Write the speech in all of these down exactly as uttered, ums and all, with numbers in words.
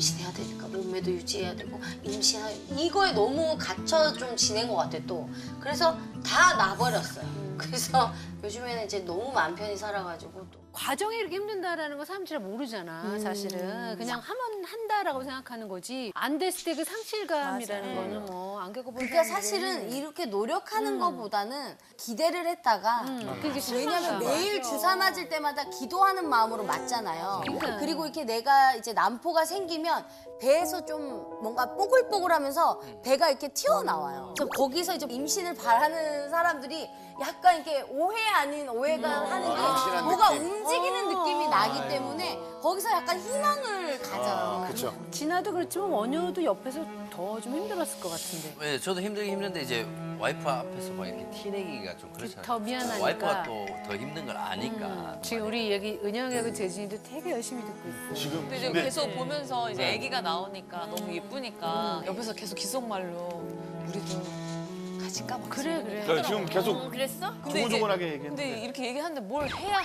임신해야 되니까 몸매도 유지해야 되고 임신하 이거에 너무 갇혀 좀 지낸 것 같아 또. 그래서 다 놔버렸어요. 그래서 요즘에는 이제 너무 마음 편히 살아가지고 또. 과정이 이렇게 힘든다라는 거 사람들이 잘 모르잖아, 사실은. 그냥 하면 한다라고 생각하는 거지. 안 됐을 때 그 상실감이라는 거는 뭐 안 겪어본 그러니까 사람들은- 사실은 이렇게 노력하는 것보다는 기대를 했다가 음, 그게 왜냐면 실망감. 매일 주사 맞을 때마다 기도하는 마음으로 맞잖아요. 그러니까. 그리고 이렇게 내가 이제 난포가 생기면 배에서 좀 뭔가 뽀글뽀글하면서 배가 이렇게 튀어나와요. 그래서 거기서 이제 임신을 바라는 사람들이 약간 이렇게 오해 아닌 오해가 하는 게 임신한 뭐가 느낌. 움직이는 느낌이 나기 때문에 거기서 약간 희망을 가져요. 그렇죠. 진아도 그렇지만 원효도 옆에서 더 좀 힘들었을 것 같은데. 네, 저도 힘들긴 힘든데 이제 와이프 앞에서 막 이렇게 티내기가 좀 그렇잖아요. 더 미안하니까. 와이프가 또 더 힘든 걸 아니까. 음, 지금 우리 얘기 은영이하고 재진이도 되게 열심히 듣고 있어. 지금 근데 이제 근데 계속 보면서 이제 아기가 나오니까 너무 예쁘니까 옆에서 계속 기속말로 우리도 같이 까봐. 그래, 그래. 그러니까 지금 계속 어, 그랬어? 근데 이제 조곤조곤하게 얘기했는데. 근데 이렇게 얘기하는데 뭘 해야?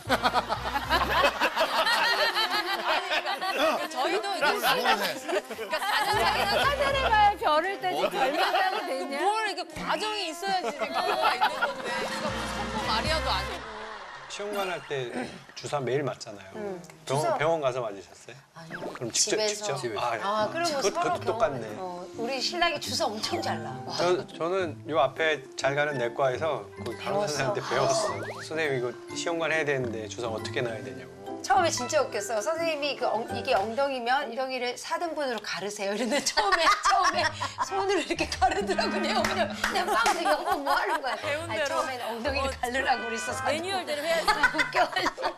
그러니까 저희도 이제 그러니까 가정사기는 하늘에 가야 별을 떼지 별마다가 되냐? 뭘 이렇게 과정이 있어야지 뭐가 있는 건데 이거 성모 마리아도 아니고. 시험관 할 때 주사 매일 맞잖아요. 병원, 병원 가서 맞으셨어요? 아니요. 그럼 직접 집에서. 직접? 집에서. 아, 그리고 그것, 서로 그것도 똑같네. 병원, 어, 우리 신랑이 주사 엄청 잘 나. 저, 저는 요 앞에 잘 가는 내과에서 거기 간호사 선생님한테 배웠어요. 선생님 이거 시험관 해야 되는데 주사 어떻게 놔야 되냐고. 처음에 진짜 웃겼어. 선생님이 그 엉, 이게 엉덩이면 엉덩이를 사 등분으로 가르세요. 이랬는데 처음에 처음에 손으로 이렇게 가르더라고. 내가 그냥 내가 빵 생각 어머 뭐 하는 거야. 배운 아니, 대로. 처음에는 엉덩이를 가르라고 그랬어. 매뉴얼대로 해야지. 웃겨가지고.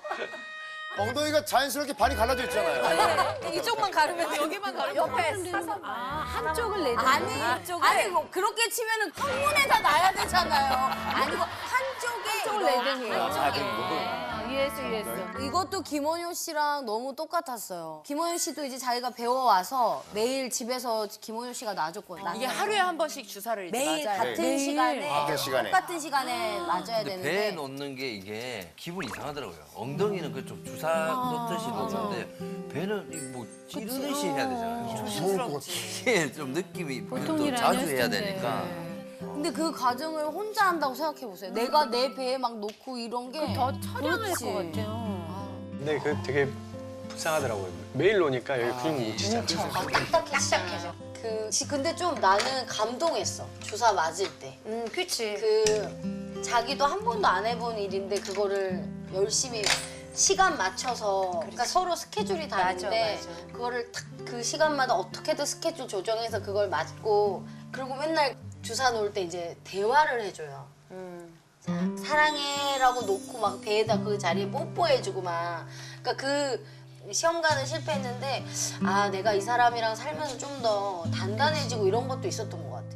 엉덩이가 자연스럽게 반이 갈라져 있잖아요. 이쪽만 가르면 여기만 가르면 옆에 사서 아, 한쪽을 내자. 아니, 아니 뭐 그렇게 치면은 항문에다 놔야 되잖아요. 아니고 한쪽에 한쪽을 이렇게. 내야 되는 거야. 다 되는 아, 이해했어, 이해했어. 이것도 김원효 씨랑 너무 똑같았어요. 김원효 씨도 이제 자기가 배워와서 매일 집에서 김원효 씨가 놔줬거든요. 이게 하루에 한 번씩 주사를 이제 매일 맞아요. 같은 매일. 시간에 같은 시간에. 똑같은 시간에 맞아야 근데 되는데 배에 놓는 게 이게 기분이 이상하더라고요. 엉덩이는 그 좀 주사 놓듯이 놓는데 배는 이뭐 찌르듯이 해야 되잖아요. 무서울 것 같아. 이게 좀 느낌이 보통 또 일 자주 아니었을 해야 텐데. 되니까. 근데 그 과정을 혼자 한다고 생각해 보세요. 내가 내 배에 막 놓고 이런 게 더 처량할 그렇지. 것 같아요. 근데 그 되게 불쌍하더라고요. 매일 놓으니까 여기 근육 묻히잖아요. 아, 딱딱해져. 그 지- 근데 좀 나는 감동했어. 주사 맞을 때. 음, 그치. 그 자기도 한 번도 안 해본 일인데 그거를 열심히 시간 맞춰서 그러니까 서로 스케줄이 다른데 맞아, 맞아. 그거를 탁 그 시간마다 어떻게든 스케줄 조정해서 그걸 맞고 그리고 맨날 주사 놓을 때 이제 대화를 해줘요. 자, 사랑해라고 놓고 막 배에다 그 자리에 뽀뽀해주고 막 그러니까 그 시험관은 실패했는데 아 내가 이 사람이랑 살면서 좀 더 단단해지고 이런 것도 있었던 것 같아.